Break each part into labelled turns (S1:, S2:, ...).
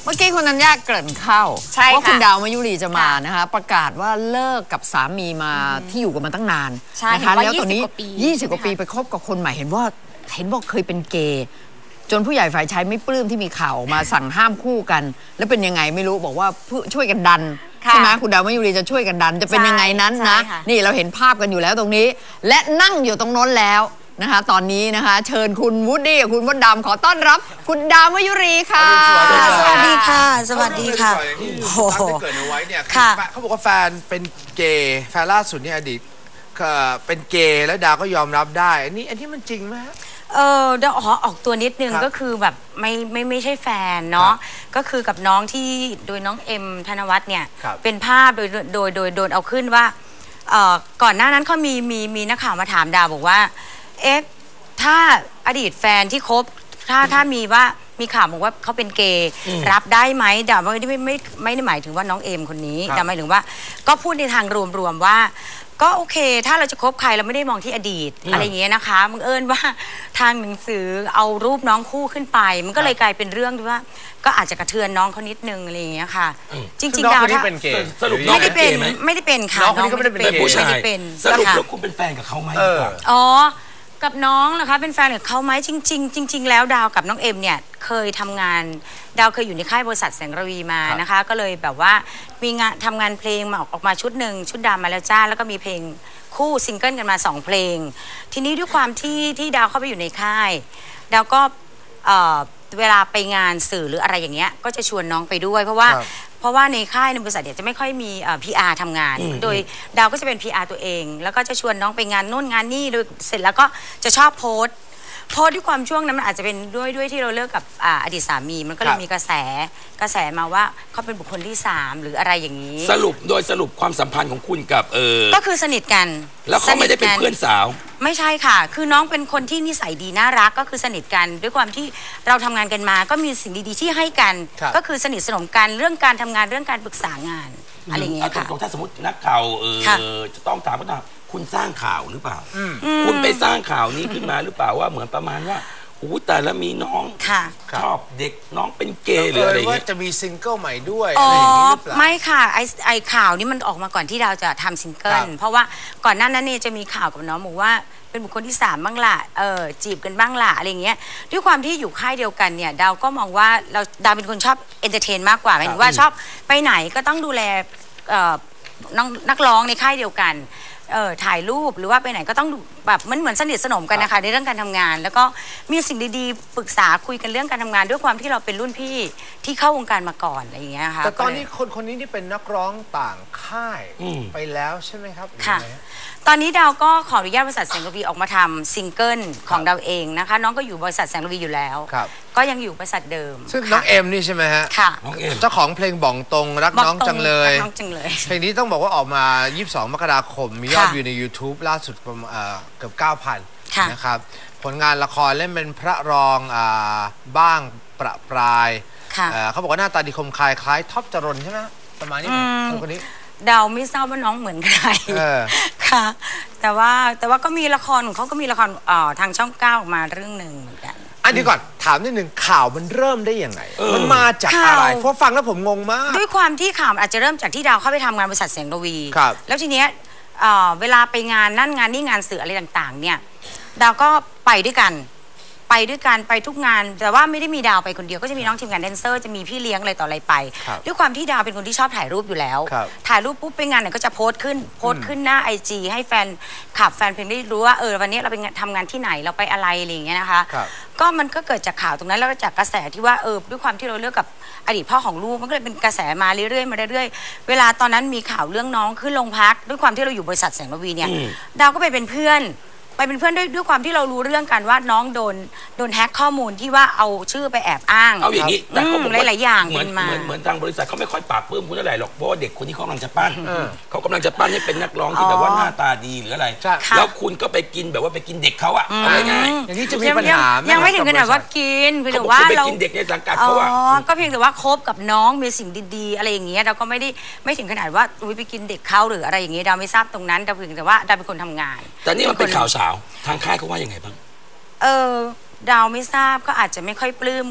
S1: เมื่อกี้คุณธัญญาเกริ่นเข้าว่าคุณดาวมายุรีจะมานะคะประกาศว่าเลิกกับสามีมาที่อยู่กันมาตั้งนานนะคะแล้วตอนนี้20 กว่าปีไปคบกับคนใหม่เห็นบอกเคยเป็นเกย์จนผู้ใหญ่ฝ่ายชายไม่ปลื้มที่มีข่าวมาสั่งห้ามคู่กันแล้วเป็นยังไงไม่รู้บอกว่าช่วยกันดันใช่ไหมคุณดาวมายุรีจะช่วยกันดันจะเป็นยังไงนั้นนะนี่เราเห็นภาพกันอยู่แล้วตรงนี้และนั่งอยู่ตรงโน้นแล้วนะคะตอนนี้นะคะเชิญคุณวูดดี้กับคุณมดดำขอต้อนรับคุณดาวมายุรีค่ะ
S2: สวัสดีค่ะสวัสดีค่ะ
S3: โอ้โหเกิดเอาไว้เนี่ยเขาบอกว่าแฟนเป็นเกย์แฟนล่าสุดเนี่ยอดีตเป็นเกย์แล้วดาวก็ยอมรับได้อันนี้มันจริงไหม
S2: เดี๋ยวออกตัวนิดนึงก็คือแบบไม่ใช่แฟนเนาะก็คือกับน้องที่โดยน้องเอ็มธนวัฒน์เนี่ยเป็นภาพโดนเอาขึ้นว่าก่อนหน้านั้นเขามีนักข่าวมาถามดาวบอกว่าเอ๊ะถ้าอดีตแฟนที่คบถ้ามีข่าวบอกว่าเขาเป็นเกย์รับได้ไหมดาวไม่ได้หมายถึงว่าน้องเอ็มคนนี้ดาวหมายถึงว่าก็พูดในทางรวมๆว่าก็โอเคถ้าเราจะคบใครเราไม่ได้มองที่อดีตอะไรอย่างเงี้ยนะคะบังเอิญว่าทางหนังสือเอารูปน้องคู่ขึ้นไปมันก็เลยกลายเป็นเรื่องที่ว่าก็อาจจะกระเทือนน้องเขานิดนึงอะไรอย่างเงี้ยค่ะจริงๆดาวถ้า
S4: สรุป
S2: ไม่ได้เป็นค่ะ
S3: น้องคนนี้ก็ไม่ได้เป็น
S4: ผู้ชายสรุปแล้วคุณเป็นแฟนกับเขาไหม
S2: อ๋อกับน้องนะคะเป็นแฟนกับเขาไหมจริงแล้วดาวกับน้องเอ็มเนี่ยเคยทำงานดาวเคยอยู่ในค่ายบริษัทแสงระวีมานะคะก็เลยแบบว่ามีงานทำงานเพลงมาออกมาชุดหนึ่งชุดดำมาแล้วจ้าแล้วก็มีเพลงคู่ซิงเกิลกันมา2 เพลงทีนี้ด้วยความที่ดาวเข้าไปอยู่ในค่ายดาวก็เวลาไปงานสื่อหรืออะไรอย่างเงี้ยก็จะชวนน้องไปด้วยเพราะว่าในค่ายในบริษัทเนี่ยจะไม่ค่อยมีPR ทำงานโดยดาวก็จะเป็น PR ตัวเองแล้วก็จะชวนน้องไปงานโน่นงานนี่โดยเสร็จแล้วก็จะชอบโพสต์ด้วยความช่วงนั้นมันอาจจะเป็นด้วยที่เราเลิกกับอดีตสามีมันก็เลยมีกระแสมาว่าเขาเป็นบุคคลที่3หรืออะไรอย่างนี้
S4: สรุปความสัมพันธ์ของคุณกับ
S2: ก็คือสนิทกัน
S4: แล้วเขาไม่ได้เป็นเพื่อนสาว
S2: ไม่ใช่ค่ะคือน้องเป็นคนที่นิสัยดีน่ารักก็คือสนิทกันด้วยความที่เราทำงานกันมาก็มีสิ่งดีๆที่ให้กันก็คือสนิทสนมกันเรื่องการทำงานเรื่องการปรึกษางานอะไรอย่างเงี้ยค่ะ
S4: ถ้าสมมตินักข่าวจะต้องถามว่าคุณสร้างข่าวหรือเปล่าคุณไปสร้างข่าวนี้ขึ้นมาหรือเปล่าว่าเหมือนประมาณว่าแต่ละมีน้องชอบเด็กน้องเป็นเกย์หรืออะไรว่า
S3: จะมีซิงเกิลใหม่ด้วยอะไรอย่างนี้หรือเปล่า
S2: ไม่ค่ะไอข่าวนี้มันออกมาก่อนที่เราจะทำซิงเกิลเพราะว่าก่อนหน้านั้นเนี่ยจะมีข่าวกับน้องบอกว่าเป็นบุคคลที่3บ้างล่ะจีบกันบ้างล่ะอะไรเงี้ยด้วยความที่อยู่ค่ายเดียวกันเนี่ยดาวก็มองว่าดาวเป็นคนชอบเอนเตอร์เทนมากกว่าหมายถึงว่าชอบไปไหนก็ต้องดูแลนักร้องในค่ายเดียวกันถ่ายรูปหรือว่าไปไหนก็ต้องแบบเหมือนสนิทสนมกันนะคะในเรื่องการทำงานแล้วก็มีสิ่งดีๆปรึกษาคุยกันเรื่องการทำงานด้วยความที่เราเป็นรุ่นพี่ที่เข้าวงการมาก่อนอะไรอย่างเงี้ยค่ะ
S3: แต่ตอนนี้คนนี้นี่เป็นนักร้องต่างค่ายไปแล้วใช่ไหมครับ
S2: ค่ะตอนนี้ดาวก็ขออนุญาตบริษัทแสงระวีออกมาทำซิงเกิลของดาวเองนะคะน้องก็อยู่บริษัทแสงระวีอยู่แล้วก็ยังอยู่บริษัทเดิม
S3: ซึ่งน้องเอ็มนี่ใช่ไหมฮะ
S2: ค่ะ
S3: เจ้าของเพลงบ่องตรงรักน้องจังเลยเพลงนี้ต้องบอกว่าออกมา22 มกราคมมียอดวิวใน YouTube ล่าสุดประมาณเกือบ 9,000 นะครับผลงานละครเล่นเป็นพระรองบ้างประปรายเขาบอกว่าหน้าตาดีคมคายคล้ายท็อปจรนใช่ไหมประมาณนี้คนนี้
S2: ดาวไม่ทราบว่าน้องเหมือนใครค่ะแต่ว่าก็มีละครของเขาก็มีละครทางช่อง9ออกมาเรื่องหนึ่งเหมือนกัน
S3: อันนี้ก่อนถามนิดนึงข่าวมันเริ่มได้ยังไงมันมาจากอะไรเพราะฟังแล้วผมงงมาก
S2: ด้วยความที่ข่าวอาจจะเริ่มจากที่ดาวเข้าไปทำงานบริษัทแสงระวีแล้วทีเนี้ยเวลาไปงานนั่นงานนี่งานสื่ออะไรต่างๆเนี่ยดาวก็ไปด้วยกันไปทุกงานแต่ว่าไม่ได้มีดาวไปคนเดียวก็จะมีน้องทีมงานแดนเซอร์จะมีพี่เลี้ยงอะไรต่ออะไรไปด้วยความที่ดาวเป็นคนที่ชอบถ่ายรูปอยู่แล้วถ่ายรูปปุ๊บไปงานไหนก็จะโพสต์ขึ้นหน้า IG ให้แฟนขับแฟนเพลงได้รู้ว่าวันนี้เราไปทำงานที่ไหนเราไปอะไรอะไรอย่างเงี้ยนะคะก็มันก็เกิดจากข่าวตรงนั้นแล้วก็จากกระแสที่ว่าด้วยความที่เราเลือกกับอดีตพ่อของลูกมันก็เลยเป็นกระแสมาเรื่อยๆเวลาตอนนั้นมีข่าวเรื่องน้องขึ้นโรงพักด้วยความที่เราอยู่บริษัทแสงระวีเนี่ยดาวก็ไปเป็นเพื่อนด้วยความที่เรารู้เรื่องกันว่าน้องโดนแฮ็กข้อมูลที่ว่าเอาชื่อไปแอบอ้าง
S4: เอาอย่างนี้แต่เขาบอก
S2: หลายๆอย่าง
S4: เหมือนทางบริษัทเขาไม่ค่อยปราบปลื้มคุณเท่าไหร่หรอกเพราะว่าเด็กคนนี้เขากำลังจะปั้นเขากำลังจะปั้นให้เป็นนักร้องที่แบบว่าหน้าตาดีหรืออะไรแล้วคุณก็ไปกินแบบว่าไปกินเด็กเขาอะเอาง่าย
S3: ๆอย่างนี้จะมีปัญหา
S2: ยังไม่ถึงขนาดว่ากินเพียงแต่ว่า
S4: เรากินเด็กในสังกัดเขาอะ
S2: ก็เพียงแต่ว่าคบกับน้องมีสิ่งดีๆอะไรอย่างเงี้ยเราก็ไม่ถึงขนาดว่าไปกินเด็กเขาหรืออะไรอย่างเงี้ยเราไม่ทราบตรงนั้นเราเพียงแต่ว่าเราเป็นคนทำงาน
S4: แต่นี่มันเป็นข่าวเช้าทางค่ายเขาว่ายังไงบ้าง
S2: ดาวไม่ทราบก็อาจจะไม่ค่อยปลื้มกับ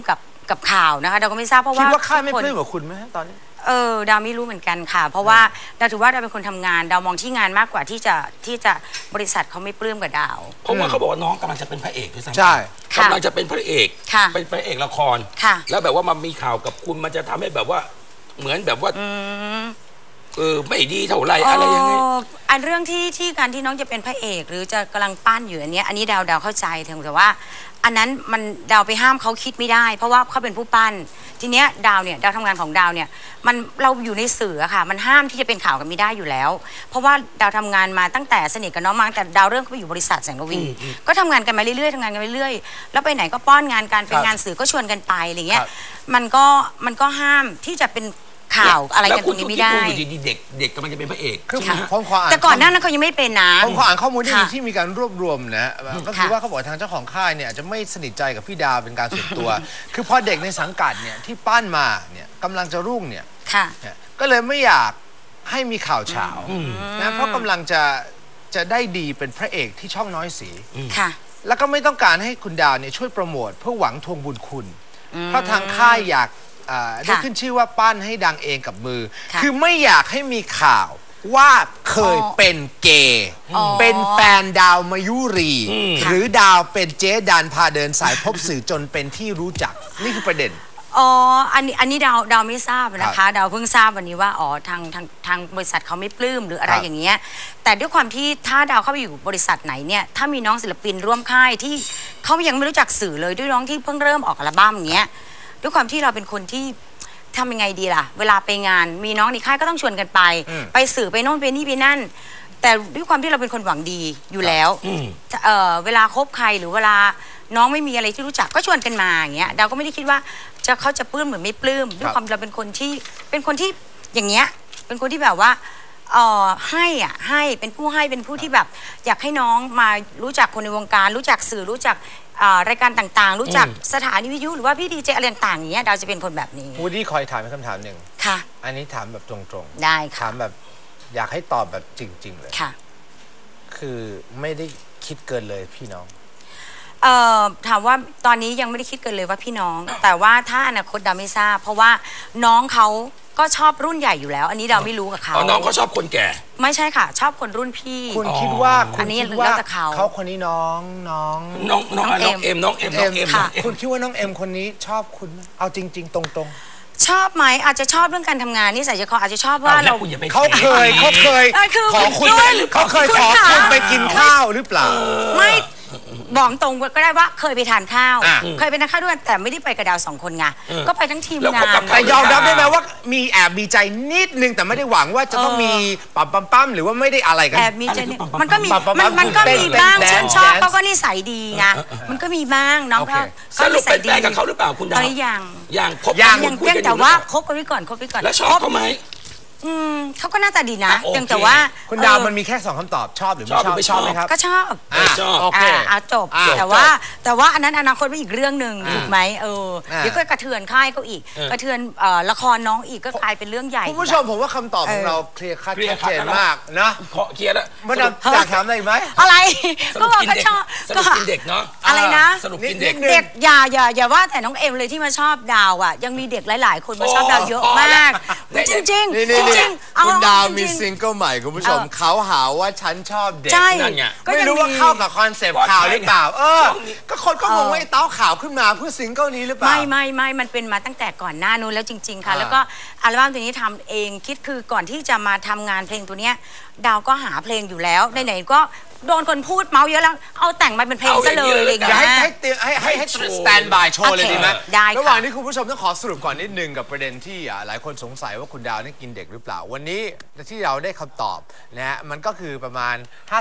S2: กับข่าวนะคะดาวก็ไม่ทราบเพราะว่า
S3: คิดว่าค่ายไม่ปลื้มกับคุณไหมตอนนี้
S2: ดาวไม่รู้เหมือนกันค่ะเพราะว่าดาวถือว่าดาวเป็นคนทำงานดาวมองที่งานมากกว่าที่จะบริษัทเขาไม่ปลื้มกับดาว
S4: เพราะว่าเขาบอกว่าน้องกำลังจะเป็นพระเอกด้วยซ้ำ
S3: ใช่
S4: กำลังจะเป็นพระเอกเป็นพระเอกละครแล้วแบบว่ามันมีข่าวกับคุณมันจะทำให้แบบว่าเหมือนแบบว่าไม่ดีเท่าไรอะไรยังไง
S2: อันเรื่องที่การที่น้องจะเป็นพระเอกหรือจะกำลังปั้นอยู่อันนี้ดาวเข้าใจแต่ว่าอันนั้นมันดาวไปห้ามเขาคิดไม่ได้เพราะว่าเขาเป็นผู้ปั้นทีเนี้ยดาวทำงานของดาวเนี่ยมันเราอยู่ในสื่อค่ะมันห้ามที่จะเป็นข่าวกันไม่ได้อยู่แล้วเพราะว่าดาวทำงานมาตั้งแต่สนิทกับน้องมาตั้งแต่ดาวเริ่มเข้าไปอยู่บริษัทแสงระวีก็ทำงานกันมาเรื่อยๆทำงานกันไปเรื่อยแล้วไปไหนก็ป้อนงานการเป็นงานสื่อก็ชวนกันไปอะไรเงี้ยมันก็ห้ามที่จะเป็นข่าวอะไรกันตรงนี้ไม่ได้
S4: แล้วคุณดีเด็กกำลังจะเป็นพระเอก
S3: คือผมขออ่าน
S2: แต่ก่อนหน้านั้นเขายังไม่เป็นนะ
S3: ผมขออ่านข้อมูลที่มีการรวบรวมนะก็คือว่าเขาบอกทางเจ้าของค่ายเนี่ยจะไม่สนิทใจกับพี่ดาวเป็นการส่วนตัวคือพอเด็กในสังกัดเนี่ยที่ปั้นมาเนี่ยกำลังจะรุ่งเนี่ยก็เลยไม่อยากให้มีข่าวเฉานะเพราะกำลังจะได้ดีเป็นพระเอกที่ช่องน้อยสีแล้วก็ไม่ต้องการให้คุณดาวเนี่ยช่วยโปรโมทเพื่อหวังทวงบุญคุณเพราะทางค่ายอยากได้ขึ้นชื่อว่าปั้นให้ดังเองกับมือคือไม่อยากให้มีข่าวว่าเคยเป็นเกย์เป็นแฟนดาวมายุรีหรือดาวเป็นเจ๊ดันพาเดินสายพบสื่อจนเป็นที่รู้จักนี่คือประเด็น
S2: อันนี้ดาวไม่ทราบนะคะดาวเพิ่งทราบวันนี้ว่าทางบริษัทเขาไม่ปลื้มหรืออะไรอย่างเงี้ยแต่ด้วยความที่ถ้าดาวเข้าไปอยู่บริษัทไหนเนี่ยถ้ามีน้องศิลปินร่วมค่ายที่เขายังไม่รู้จักสื่อเลยด้วยน้องที่เพิ่งเริ่มออกอัลบั้มอย่างเงี้ยด้วยความที่เราเป็นคนที่ทำยังไงดีล่ะเวลาไปงานมีน้องในค่ายก็ต้องชวนกันไปสื่อไปโน่นไปนี่ไปนั่นแต่ด้วยความที่เราเป็นคนหวังดีอยู่แล้วเวลาคบใครหรือเวลาน้องไม่มีอะไรที่รู้จักก็ชวนกันมาอย่างเงี้ยเราก็ไม่ได้คิดว่าเขาจะปลื้มหรือไม่ปลื้มด้วยความเราเป็นคนที่อย่างเงี้ยเป็นคนที่แบบว่าให้เป็นผู้ให้เป็นผู้ที่แบบอยากให้น้องมารู้จักคนในวงการรู้จักสื่อรู้จักรายการต่างๆรู้จักสถานีวิทยุหรือว่าพี่ดีเจอะไรต่างๆอย่างเงี้ยดาวจะเป็นคนแบบนี้
S3: วูดดี้คอยถามคำถามหนึ่ง
S2: ค่ะ
S3: อันนี้ถามแบบตรง
S2: ๆได้ค่ะ
S3: ถามแบบอยากให้ตอบแบบจริงๆเลย
S2: ค่ะ
S3: คือไม่ได้คิดเกินเลยพี่น้อง
S2: ถามว่าตอนนี้ยังไม่ได้คิดเกินเลยว่าพี่น้องแต่ว่าถ้าอนาคตดาวไม่ทราบเพราะว่าน้องเขาก็ชอบรุ่นใหญ่อยู่แล้วอันนี้ดาวไม่รู้กับเขา
S4: น้องเขาชอบคนแก่
S2: ไม่ใช่ค่ะชอบคนรุ่นพี่
S3: คุณคิดว่าเขาคนนี้น้อง
S4: เอ็ม
S3: ค่ะคุณคิดว่าน้องเอ็มคนนี้ชอบคุณเอาจริงๆตรง
S2: ๆชอบไหมอาจจะชอบเรื่องการทำงานนี่ใส่ใจคออาจจะชอบว่าเรา
S3: เขาเคยขอคุณเขาเคยขอคุณไปกินข้าวหรือเปล่า
S2: ไม่บอกตรงก็ได้ว่าเคยไปทานข้าวเคยไปทานข้าวด้วยแต่ไม่ได้ไปกับดาว2 คนไงก็ไปทั้งทีมงาน
S3: แต่ยอมรับได้ไหมว่ามีแอบมีใจนิดนึงแต่ไม่ได้หวังว่าจะต้องมีปั๊มหรือว่าไม่ได้อะไรกัน
S2: แอบมีใจมันก็มีบ้างฉันชอบเขาก็นิสัยดีไงมันก็มีบ้างน้องเขา
S4: สรุปเป็นแฟนกับเขาหรือเปล่าคุณดาว
S2: ยัง
S4: คบยัง
S2: แต่ว่าคบกันไว้ก่อน
S4: แล้วชอบเขาไหม
S2: เขาก็น่าตาดีนะแต่ว่า
S3: คุณดาวมันมีแค่2 คำตอบชอบหรือไม่ชอบไหมครับ
S2: ก็ชอบ
S3: โอเค
S2: จบแต่ว่าอันนั้นอนาคตเป็นอีกเรื่องหนึ่งถูกไหมเดี๋ยวก็กระเทือนค่ายเขาอีกกระเทือนละครน้องอีกก็กลายเป็นเรื่องใหญ่
S3: คุณผู้ชมผมว่าคำตอบของเราเคลียร์ชัดเจนมากนะ
S4: เคลียร์แล้ว
S3: มันอยากถามอะไรไหม
S2: อะไรก็บอกก็ชอบ
S4: ก็กินเด็กเนาะ
S2: อะไรนะ
S4: สรุปกินเด็ก
S2: อย่าว่าแต่น้องเอ็มเลยที่มาชอบดาวอ่ะยังมีเด็กหลายๆคนมาชอบดาวเยอะมากจริง
S3: คุณดาวมีซิงเกิลใหม่คุณผู้ชมเขาหาว่าฉันชอบเด็กนั่นไงไม่รู้ว่าเข้ากับคอนเซปต์ข่าวหรือเปล่าก็คนก็งงว่าเต้าข่าวขึ้นมาเพื่อซิงเกิลนี้หรือเปล่า
S2: ไม่มันเป็นมาตั้งแต่ก่อนหน้านู้นแล้วจริงๆค่ะแล้วก็อัลบั้มตัวนี้ทำเองคิดคือก่อนที่จะมาทำงานเพลงตัวเนี้ยดาวก็หาเพลงอยู่แล้วไหนๆก็โดนคนพูดเมาเยอะแล้วเอาแต่งมาเป็นเพลงซะเลยอะไรอย่างเงี้ย
S3: ให้สแตนบายโชว์เลยดีไหมระหว่างนี้คุณผู้ชมต้องขอสรุปก่อนนิดนึงกับประเด็นที่หลายคนสงสัยว่าคุณดาวนี่กินเด็กหรือเปล่าวันนี้ที่เราได้คำตอบนะฮะมันก็คือประมาณ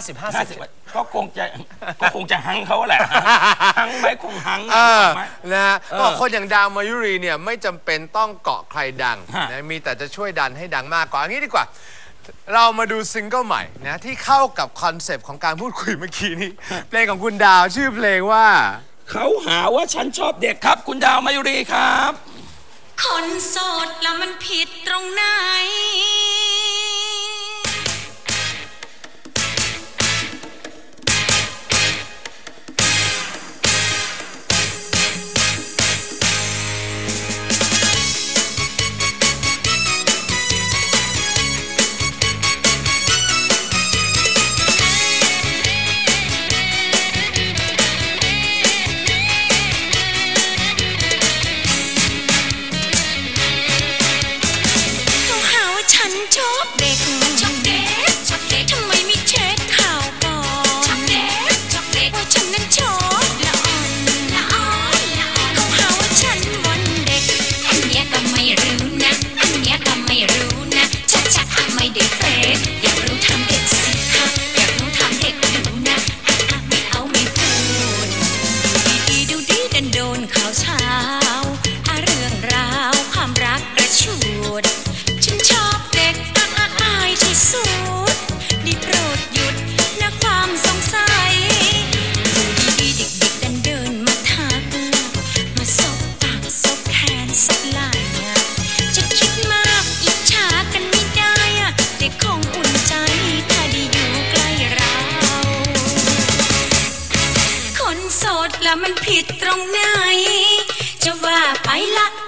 S3: 50-50
S4: ก็คงจะหังเขาแหละหังไหมคงหัง
S3: นะฮะก็คนอย่างดาวมายุรีเนี่ยไม่จำเป็นต้องเกาะใครดังนะมีแต่จะช่วยดันให้ดังมากกว่าอย่างนี้ดีกว่าเรามาดูซิงเกิลใหม่นะที่เข้ากับคอนเซปต์ของการพูดคุยเมื่อกี้นี้เพลงของคุณดาวชื่อเพลงว่า
S4: เขาหาว่าฉันชอบเด็กครับคุณดาวมายุรีครับ
S5: คนโสดแล้วมันผิดตรงไหนแล้วมันผิดตรงไหนจะว่าไปละ